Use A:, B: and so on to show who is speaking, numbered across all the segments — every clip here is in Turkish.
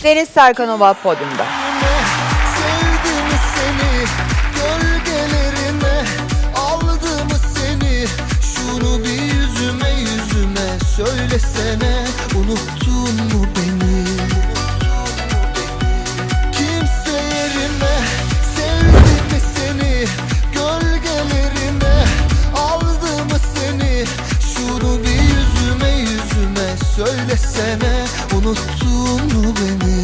A: Deniz Serkanova podyumda.
B: Sevdim seni, gölgelerime aldım seni. Şunu bir yüzüme söylesene, unuttun mu beni? Kimse yerime sevdim seni, gölgelerime aldım seni. Şunu bir yüzüme söylesene, unuttun mu beni?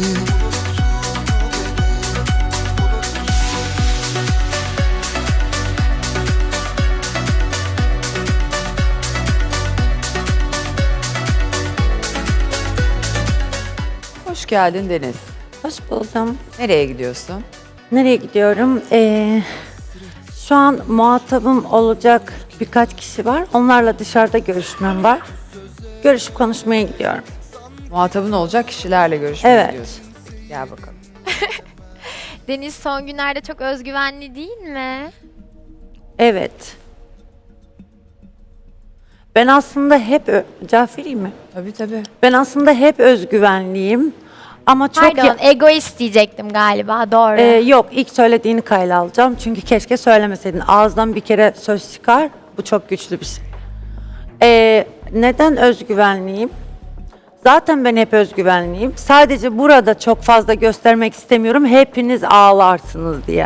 A: Hoş geldin Deniz.
C: Hoş buldum.
A: Nereye gidiyorsun?
C: Nereye gidiyorum? Şu an muhatabım olacak birkaç kişi var. Onlarla dışarıda görüşmem var. Görüşüp konuşmaya gidiyorum.
A: Muhatabın olacak kişilerle görüşmeye
C: Evet.
A: gidiyorsun. Gel bakalım.
D: Deniz son günlerde çok özgüvenli değil mi?
C: Evet. Ben aslında hep... Cevap vereyim mi?
A: Tabii tabii.
C: Ben aslında hep özgüvenliyim. Ama çok...
D: Pardon, egoist diyecektim galiba, doğru.
C: Yok, ilk söylediğini kayla alacağım. Çünkü keşke söylemeseydin. Ağızdan bir kere söz çıkar. Bu çok güçlü bir şey. Neden özgüvenliyim? Zaten ben hep özgüvenliyim. Sadece burada çok fazla göstermek istemiyorum. Hepiniz ağlarsınız diye.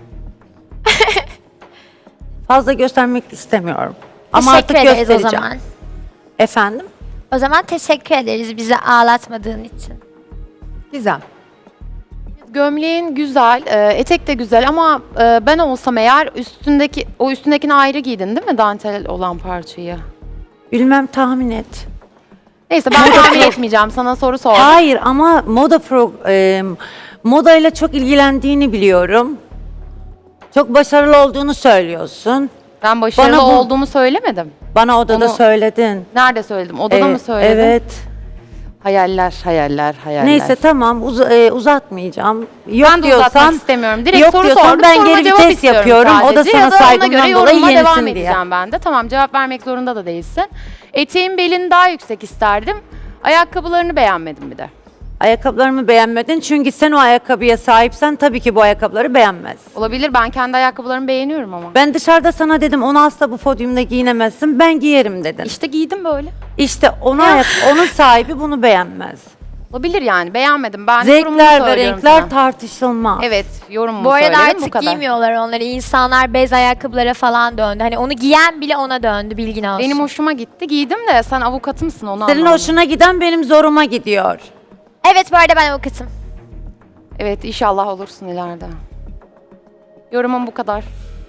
C: Fazla göstermek istemiyorum. Ama
D: Teşekkür
C: artık
D: ederiz o
C: göstereceğim.
D: zaman.
C: Efendim?
D: O zaman teşekkür ederiz bizi ağlatmadığın için.
A: Gizem.
E: Gömleğin güzel, etek de güzel ama ben olsam eğer üstündekini ayrı giydin değil mi, dantel olan parçayı?
C: Bilmem, tahmin et.
E: Neyse ben tahmin etmeyeceğim, sana soru sordum.
C: Hayır ama modayla çok ilgilendiğini biliyorum. Çok başarılı olduğunu söylüyorsun.
E: Ben başarılı
C: Bana bu-
E: olduğumu söylemedim.
C: Bana odada
E: Onu-
C: söyledin.
E: Nerede söyledim? Odada mı söyledim?
C: Evet.
E: Hayaller, hayaller, hayaller.
C: Neyse tamam, uzatmayacağım. Yok
E: Ben de
C: diyorsan,
E: uzatmak istemiyorum. Direkt
C: yok
E: soru
C: diyorsan
E: sordum,
C: ben
E: soruma
C: geri
E: cevap
C: vites
E: istiyorum
C: yapıyorum. O da
E: sadece.
C: sana
E: Ya da ona
C: saygımdan
E: göre
C: dolayı
E: yorumuma devam
C: yenisin diye.
E: edeceğim ben de. Tamam, cevap vermek zorunda da değilsin. Eteğin belini daha yüksek isterdim. Ayakkabılarını beğenmedim bir de.
C: Ayakkabılarımı beğenmedin çünkü sen o ayakkabıya sahipsen tabii ki bu ayakkabıları beğenmez.
E: Olabilir, ben kendi ayakkabılarımı beğeniyorum ama.
C: Ben dışarıda sana dedim onu asla bu podyumda giyinemezsin, ben giyerim dedin.
E: İşte giydim böyle.
C: İşte onun sahibi bunu beğenmez.
E: Olabilir yani, beğenmedim. Ben yorumumu
C: Zevkler ve
E: söylüyorum
C: renkler
E: sana.
C: tartışılmaz.
E: Evet, yorumumu
D: Bu arada
E: söyledim, bu
D: artık
E: kadar.
D: giymiyorlar onları. İnsanlar bez ayakkabılara falan döndü. Hani onu giyen bile ona döndü, bilgin olsun.
E: Benim hoşuma gitti, giydim de sen avukatımsın onu
C: Senin
E: anlamadım.
C: hoşuna giden benim zoruma gidiyor.
D: Evet, bu arada ben avukatım.
E: Evet, inşallah olursun ileride. Yorumum bu kadar.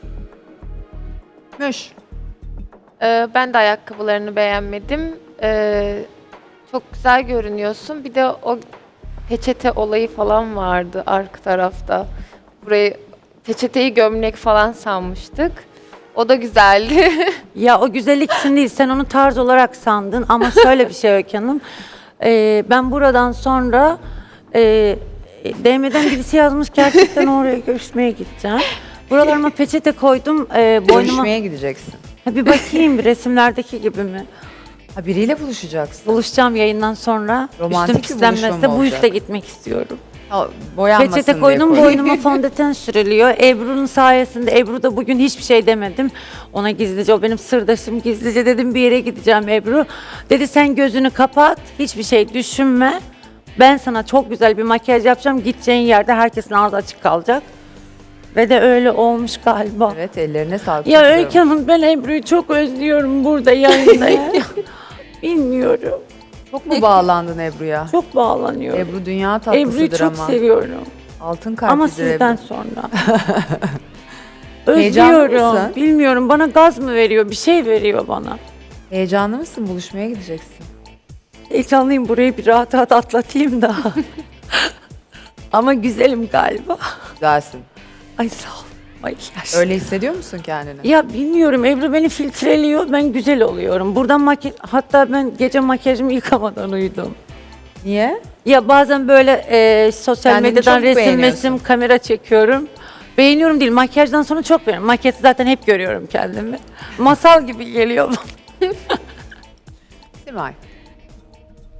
A: Müş.
F: Ben de ayakkabılarını beğenmedim. Çok güzel görünüyorsun. Bir de o peçete olayı falan vardı arka tarafta. Burayı peçeteyi gömlek falan sanmıştık. O da güzeldi.
C: Ya o güzellik için değil, sen onu tarz olarak sandın ama şöyle bir şey Öykü Hanım. Ben buradan sonra DM'den birisi yazmış, gerçekten oraya görüşmeye gideceğim. Buralarıma peçete koydum, boynuma...
A: Görüşmeye gideceksin.
C: Ha, bir bakayım bir resimlerdeki gibi mi?
A: Ha, biriyle buluşacaksın.
C: Buluşacağım yayından sonra.
A: Romantik
C: Üstüm
A: bir buluşma
C: pislenmezse
A: mı
C: bu
A: olacak?
C: üste gitmek istiyorum.
A: Ha, boyanmasın
C: Peçete
A: diye
C: koydum,
A: koydum.
C: boynuma fondöten sürülüyor. Ebru'nun sayesinde, Ebru da bugün hiçbir şey demedim. Ona gizlice, o benim sırdaşım, gizlice dedim bir yere gideceğim Ebru. Dedi sen gözünü kapat, hiçbir şey düşünme. Ben sana çok güzel bir makyaj yapacağım. Gideceğin yerde herkesin ağzı açık kalacak. Ve de öyle olmuş galiba.
A: Evet, ellerine sağlık.
C: Ya
A: Çok
C: Öykü
A: güzel olmuş.
C: Hanım, ben Ebru'yu çok özlüyorum burada yayındayım. Bilmiyorum.
A: Çok mu bağlandın Ebru'ya?
C: Çok bağlanıyorum.
A: Ebru dünya tatlısıdır
C: Ebru'yu çok
A: ama.
C: seviyorum.
A: Altın kalplidir
C: Ama sizden
A: Ebru.
C: sonra.
A: Heyecanlı
C: Özlüyorum.
A: mısın?
C: Bilmiyorum, bana gaz mı veriyor, bir şey veriyor bana.
A: Heyecanlı mısın? Buluşmaya gideceksin.
C: Heyecanlıyım, burayı bir rahat rahat atlatayım da. Ama güzelim galiba.
A: Güzelsin.
C: Ay sağ ol. Makyaj.
A: Öyle hissediyor musun kendini?
C: Ya bilmiyorum, Ebru beni filtreliyor, ben güzel oluyorum. Buradan hatta ben gece makyajımı yıkamadan uyudum.
A: Niye?
C: Ya bazen böyle sosyal
A: Kendini
C: medyadan
A: çok
C: resim
A: beğeniyorsun.
C: kamera çekiyorum. Beğeniyorum değil, makyajdan sonra çok beğeniyorum. Makyajı zaten hep görüyorum kendimi. Masal gibi geliyor bana.
A: Simay.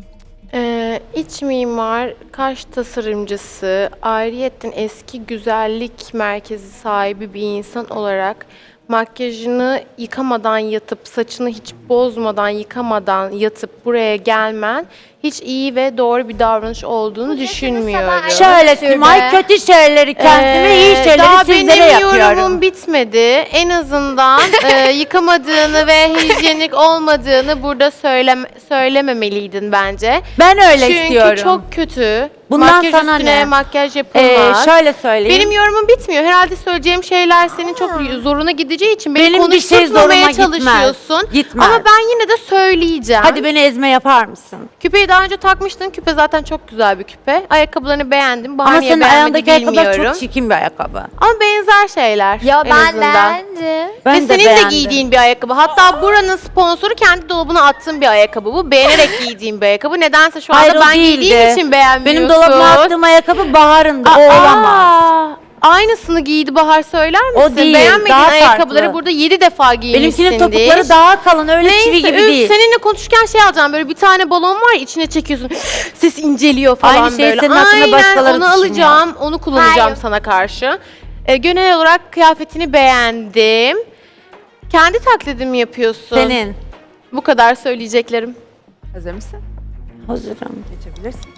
F: İç mimar, kaş tasarımcısı, ayrıyetten eski güzellik merkezi sahibi bir insan olarak makyajını yıkamadan yatıp, saçını hiç bozmadan, yıkamadan yatıp buraya gelmen hiç iyi ve doğru bir davranış olduğunu düşünmüyorum.
C: Şöyle Simay, kötü şeyleri kendime, iyi şeyleri
F: daha
C: sizlere
F: benim
C: yapıyorum.
F: yorumum bitmedi. En azından yıkamadığını ve hijyenik olmadığını burada söylememeliydin bence.
C: Ben öyle
F: Çünkü
C: istiyorum.
F: çok kötü.
C: Bundan
F: Makyaj
C: sana
F: üstüne
C: ne?
F: makyaj yapılmaz.
C: Şöyle söyleyeyim.
F: Benim yorumum bitmiyor. Herhalde söyleyeceğim şeyler senin çok zoruna gideceği için beni
C: Benim bir şey
F: konuşturmamaya
C: zoruma gitmez.
F: çalışıyorsun.
C: Gitmez.
F: Ama ben yine de söyleyeceğim.
C: Hadi beni ezme yapar mısın?
F: Küpeyi daha önce takmıştın. Küpe zaten çok güzel bir küpe. Ayakkabılarını beğendim.
C: Ama
F: Bahaniye
C: senin
F: beğenmedi
C: ayağındaki ayakkabılar
F: bilmiyorum.
C: çok çirkin bir ayakkabı.
F: Ama benzer şeyler
D: Ya
F: en
D: ben
F: azından.
D: beğendim.
C: Ben
F: Ve
C: de
F: senin
C: beğendim.
F: de giydiğin bir ayakkabı. Hatta buranın sponsoru kendi dolabına attığın bir ayakkabı bu. Beğenerek giydiğin bir ayakkabı. Nedense şu anda
C: Hayır, o
F: ben giydiğim
C: değildi.
F: için beğenmiyorsun.
C: Benim dolabıma attığım ayakkabı Bahar'ın da, o olamaz.
F: Aynısını giydi Bahar, söyler misin?
C: O değil,
F: Beğenmediğin
C: daha
F: ayakkabıları
C: farklı.
F: burada 7 defa giymişsindir.
C: Benimkinin topukları daha kalın, öyle çivi
F: Neyse,
C: gibi
F: üf,
C: değil.
F: seninle konuşurken şey alacağım, böyle bir tane balon var ya, içine çekiyorsun. Ses inceliyor falan
C: Aynı şeyi
F: böyle.
C: senin hakkında başkaları
F: onu
C: düşünüyor.
F: alacağım, onu kullanacağım
D: Hayır.
F: sana karşı. Genel olarak kıyafetini beğendim. Kendi taklidimi yapıyorsun.
C: Senin.
F: Bu kadar söyleyeceklerim.
A: Hazır mısın?
C: Hazırım.
A: Geçebilirsin.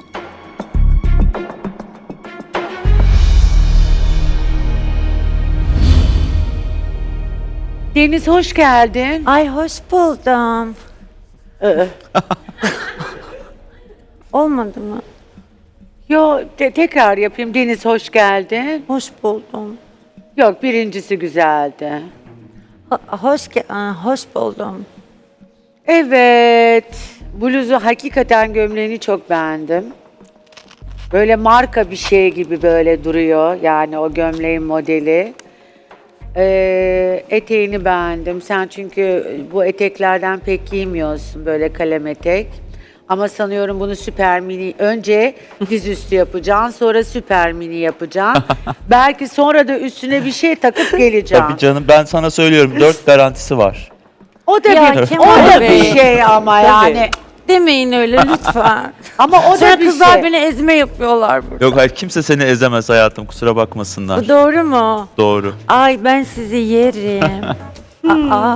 G: Deniz hoş geldin.
C: Ay hoş buldum. Olmadı mı?
G: Tekrar yapayım. Deniz hoş geldin.
C: Hoş buldum.
G: Yok, birincisi güzeldi.
C: Hoş buldum.
G: Evet. Bluzu, hakikaten gömleğini çok beğendim. Böyle marka bir şey gibi böyle duruyor. Yani o gömleğin modeli. Eteğini beğendim. Sen çünkü bu eteklerden pek giymiyorsun, böyle kalem etek. Ama sanıyorum bunu süper mini, önce dizüstü yapacaksın, sonra süper mini yapacaksın. Belki sonra da üstüne bir şey takıp geleceksin.
H: Tabii canım, ben sana söylüyorum, 4 garantisi var.
G: O da
C: Ya
G: bir,
C: Kemal
G: o da
C: Bey.
G: bir şey ama yani.
C: Demeyin öyle lütfen.
G: Ama o
C: Sonra
G: da bir
C: kızlar
G: şey.
C: beni ezme yapıyorlar burada.
H: Yok hayır, kimse seni ezemez hayatım, kusura bakmasınlar.
C: Bu doğru mu?
H: Doğru.
C: Ay ben sizi yerim. Aa.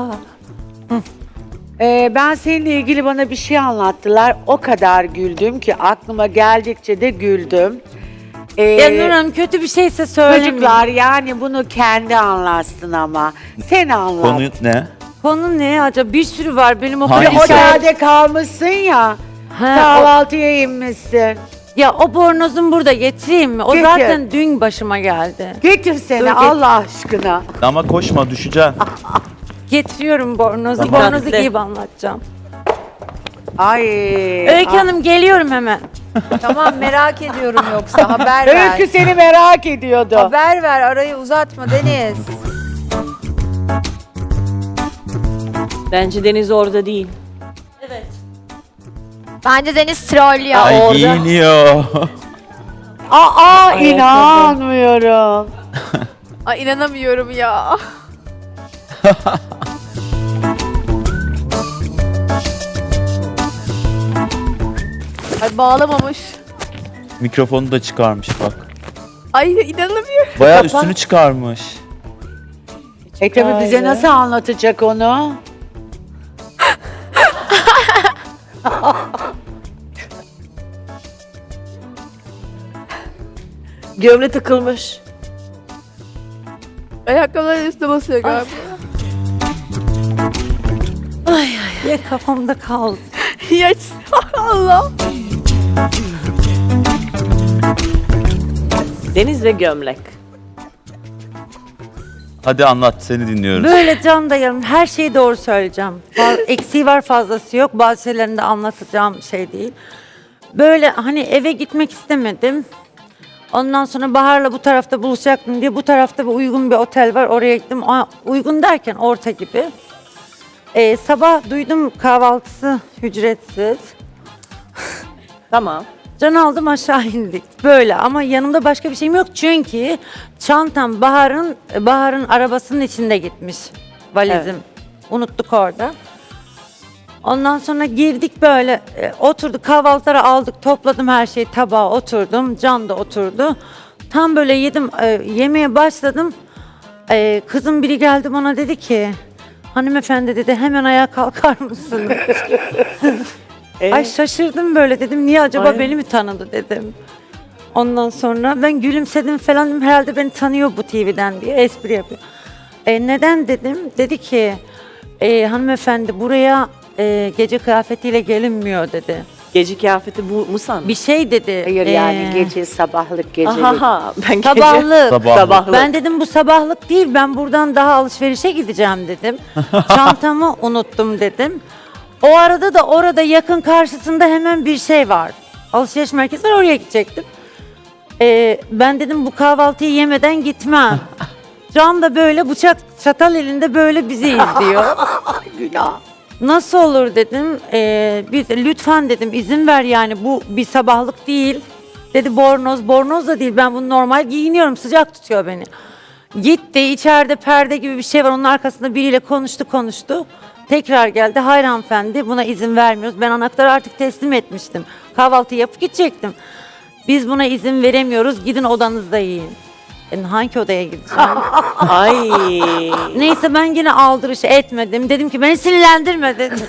G: Ben seninle ilgili bana bir şey anlattılar. O kadar güldüm ki aklıma geldikçe de güldüm.
C: Ya Nur Hanım, kötü bir şeyse söylemeyin.
G: Çocuklar, yani bunu kendi anlatsın ama. Sen anlat.
H: Konu ne?
C: Konu ne acaba? Bir sürü var benim o
H: Hangisi?
G: Otelde kalmışsın ya.
C: Ha,
G: Kahvaltıya inmişsin.
C: ya o bornozum burada, getireyim mi? O
G: Getir.
C: zaten dün başıma geldi.
G: Getirsene
C: Dur, getir.
G: Allah aşkına.
H: Ama koşma, düşeceksin.
C: Getiriyorum bornozu.
H: Tamam.
C: Bornozu giyip anlatacağım.
G: Ay.
C: Öykü Hanım, geliyorum hemen.
A: Tamam, merak ediyorum yoksa haber ver.
G: Öykü seni merak ediyordu.
A: Haber ver, arayı uzatma Deniz.
I: Bence Deniz orada değil.
D: Bence Deniz trollüyor.
H: Ay
I: orada.
H: giyiniyor.
G: Aa, inanmıyorum.
F: Ay inanamıyorum ya. Ay bağlamamış.
H: Mikrofonu da çıkarmış bak.
F: Ay inanamıyorum.
H: Bayağı üstünü çıkarmış.
G: Tabii bize nasıl anlatacak onu?
I: Gömle tıkılmış.
F: Ayakkabıların üstüne basıyor galiba.
C: Ya kafamda kaldı.
F: Ya Allah.
I: Deniz ve gömlek.
H: Hadi anlat, seni dinliyoruz.
C: Böyle can dayanım, her şeyi doğru söyleyeceğim. Eksiği var, fazlası yok. Bazı şeylerini de anlatacağım şey değil. Böyle hani eve gitmek istemedim. Ondan sonra Bahar'la bu tarafta buluşacaktım diye bu tarafta bir uygun bir otel var, oraya gittim. Uygun derken orta gibi. Sabah duydum kahvaltısı ücretsiz.
I: Tamam.
C: Can aldım, aşağı indik. Böyle ama yanımda başka bir şeyim yok çünkü çantam Bahar'ın arabasının içinde gitmiş. Valizim. Unuttuk orada. Ondan sonra girdik böyle oturduk kahvaltıları aldık topladım her şeyi tabağa oturdum. Can da oturdu. Tam böyle yedim yemeye başladım. Kızım biri geldi bana dedi ki hanımefendi dedi hemen ayağa kalkar mısın? Ay şaşırdım böyle dedim niye acaba
I: Aynen.
C: beni mi tanıdı dedim. Ondan sonra ben gülümsedim falan dedim herhalde beni tanıyor bu TV'den diye espri yapıyor. Neden dedim? Dedi ki hanımefendi buraya gece kıyafetiyle gelinmiyor dedi.
I: Gece kıyafeti bu mu sandın?
C: Bir şey dedi.
G: Hayır yani gece sabahlık gecelik.
I: Aha, ben gece.
C: Sabahlık.
H: Sabahlık.
C: Ben dedim bu sabahlık değil ben buradan daha alışverişe gideceğim dedim. Çantamı unuttum dedim. O arada da orada yakın karşısında hemen bir şey var. Alışveriş merkezi var oraya gidecektim. Ben dedim bu kahvaltıyı yemeden gitmem. Can da böyle bıçak çatal elinde böyle bizi izliyor.
G: Günah.
C: Nasıl olur dedim. Lütfen dedim izin ver yani bu bir sabahlık değil. Dedi bornoz. Bornoz da değil ben bunu normal giyiniyorum sıcak tutuyor beni. Gitti içeride perde gibi bir şey var onun arkasında biriyle konuştu. Tekrar geldi hayır hanımefendi buna izin vermiyoruz. Ben anahtarı artık teslim etmiştim. Kahvaltı yapıp gidecektim. Biz buna izin veremiyoruz gidin odanızda yiyin. Hangi odaya gideceğim?
I: Ay.
C: Neyse ben yine aldırış etmedim. Dedim ki beni sinirlendirme dedim.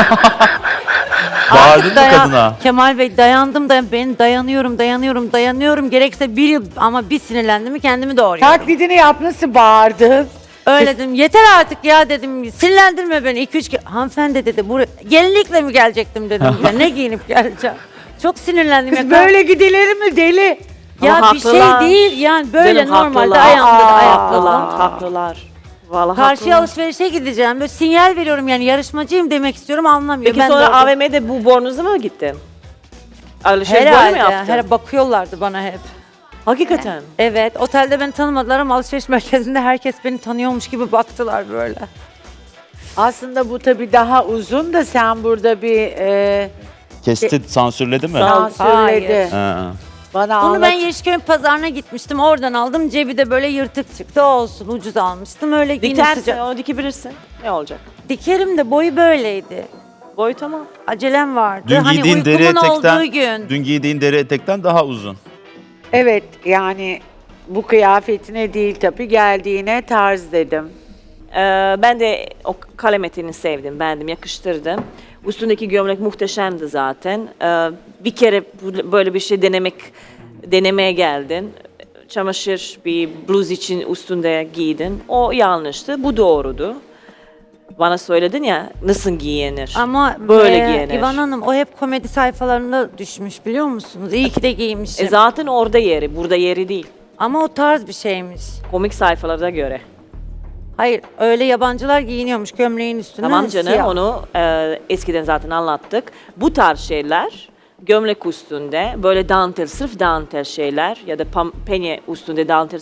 H: Bağırdın mı kadına?
C: Kemal Bey dayandım ben dayanıyorum. Gerekse bir yıl ama bir sinirlendim mi kendimi doğruyorum.
G: Taklidini yap nasıl bağırdın?
C: Öyle dedim yeter artık ya dedim sinirlendirme beni 2-3 kere. Hanımefendi dedi buraya gelinlikle mi gelecektim dedim. Ya, ne giyinip geleceğim. Çok sinirlendim.
G: Kız
C: ya.
G: böyle gidilir mi deli?
C: Ya
I: Ama
C: bir şey
I: haklılar.
C: değil yani böyle
I: Canım,
C: normalde
I: haklılar.
C: ayağımda da
I: Haklılar,
C: ayakkabım.
I: haklılar. Vallahi
C: Karşıya
I: haklılar.
C: alışverişe gideceğim. Böyle sinyal veriyorum yani yarışmacıyım demek istiyorum anlamıyor.
I: Peki
C: Ben de
I: sonra
C: orada-
I: AVM'de bu bornozla mı gittin? Alışveriş böyle mi
C: Herhalde.
I: yaptın?
C: Bakıyorlardı bana hep.
I: Hakikaten.
C: Evet, otelde beni tanımadılar ama alışveriş merkezinde herkes beni tanıyormuş gibi baktılar böyle.
G: Aslında bu tabii daha uzun da sen burada bir
H: Kesti, sansürledi mi?
I: Sağ ol.
G: sansürledi.
C: Hayır.
H: Ha.
G: Bana
C: Bunu ben
G: anlat.
C: Yeşilköy'ün pazarına gitmiştim, oradan aldım. Cebi de böyle yırtık çıktı, olsun ucuz almıştım. Öyle yine
I: Dikersin,
C: sıcak.
I: onu dikebilirsin. Ne olacak?
C: Dikerim de boyu böyleydi.
I: Boy tamam.
C: Acelem vardı.
H: Dün
C: hani
H: giydiğin deri
C: uykumun
H: etekten,
C: olduğu gün.
H: dün giydiğin deri etekten daha uzun.
G: Evet yani bu kıyafetine değil tabii geldiğine tarz dedim.
I: Ben de o kalem eteğini sevdim, beğendim, yakıştırdım. Üstündeki gömlek muhteşemdi zaten. Bir kere böyle bir şey denemeye geldin. Çamaşır bir bluz için üstünde giydin. O yanlıştı, bu doğrudu. Bana söyledin ya nasıl giyinir?
C: Ama
I: Böyle giyinir.
C: İvan Hanım o hep komedi sayfalarında düşmüş biliyor musunuz? İyi ki de giymişim.
I: Zaten orada yeri, burada yeri değil.
C: Ama o tarz bir şeymiş.
I: Komik sayfalara göre.
C: Hayır, öyle yabancılar giyiniyormuş gömleğin üstüne.
I: Tamam canım,
C: siyah.
I: onu eskiden zaten anlattık. Bu tarz şeyler gömlek üstünde böyle dantel, sırf dantel şeyler ya da penye üstünde dantel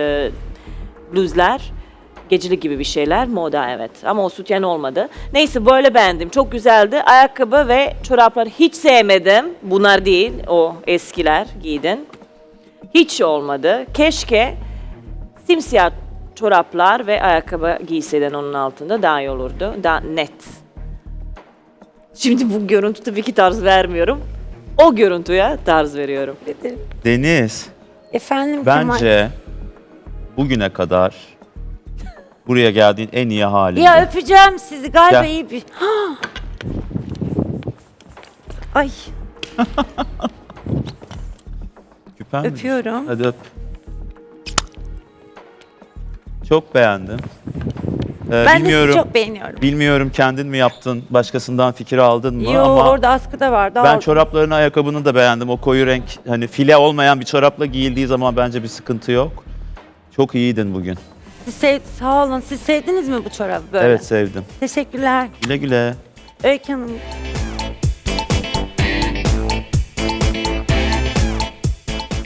I: bluzlar, gecelik gibi bir şeyler moda evet. Ama o sütyen olmadı. Neyse böyle beğendim, çok güzeldi. Ayakkabı ve çoraplar hiç sevmedim. Bunlar değil, o eskiler giydin. Hiç olmadı. Keşke simsiyah çoraplar ve ayakkabı giyseydin onun altında daha iyi olurdu. Daha net. Şimdi bu görüntü tabii ki tarz vermiyorum. O görüntüye tarz veriyorum.
H: Deniz,
C: Efendim Kemal.
H: bence bugüne kadar buraya geldiğin en iyi halinde.
C: Ya öpeceğim sizi galiba
H: Gel.
C: iyi bir... Ay
H: Küpen mi?
C: öpüyorum.
H: Hadi öp. Çok beğendim.
C: Ben
H: bilmiyorum,
C: de sizi çok beğeniyorum.
H: bilmiyorum kendin mi yaptın, başkasından fikir aldın mı
C: Yo
H: ama
C: orada askıda vardı.
H: ben
C: aldım.
H: çoraplarını, ayakkabını da beğendim. O koyu renk, hani file olmayan bir çorapla giyildiği zaman bence bir sıkıntı yok. Çok iyiydin bugün.
C: Sağ olun. Siz sevdiniz mi bu çorabı böyle?
H: Evet sevdim.
C: Teşekkürler.
H: Güle güle.
C: Öykü Hanım.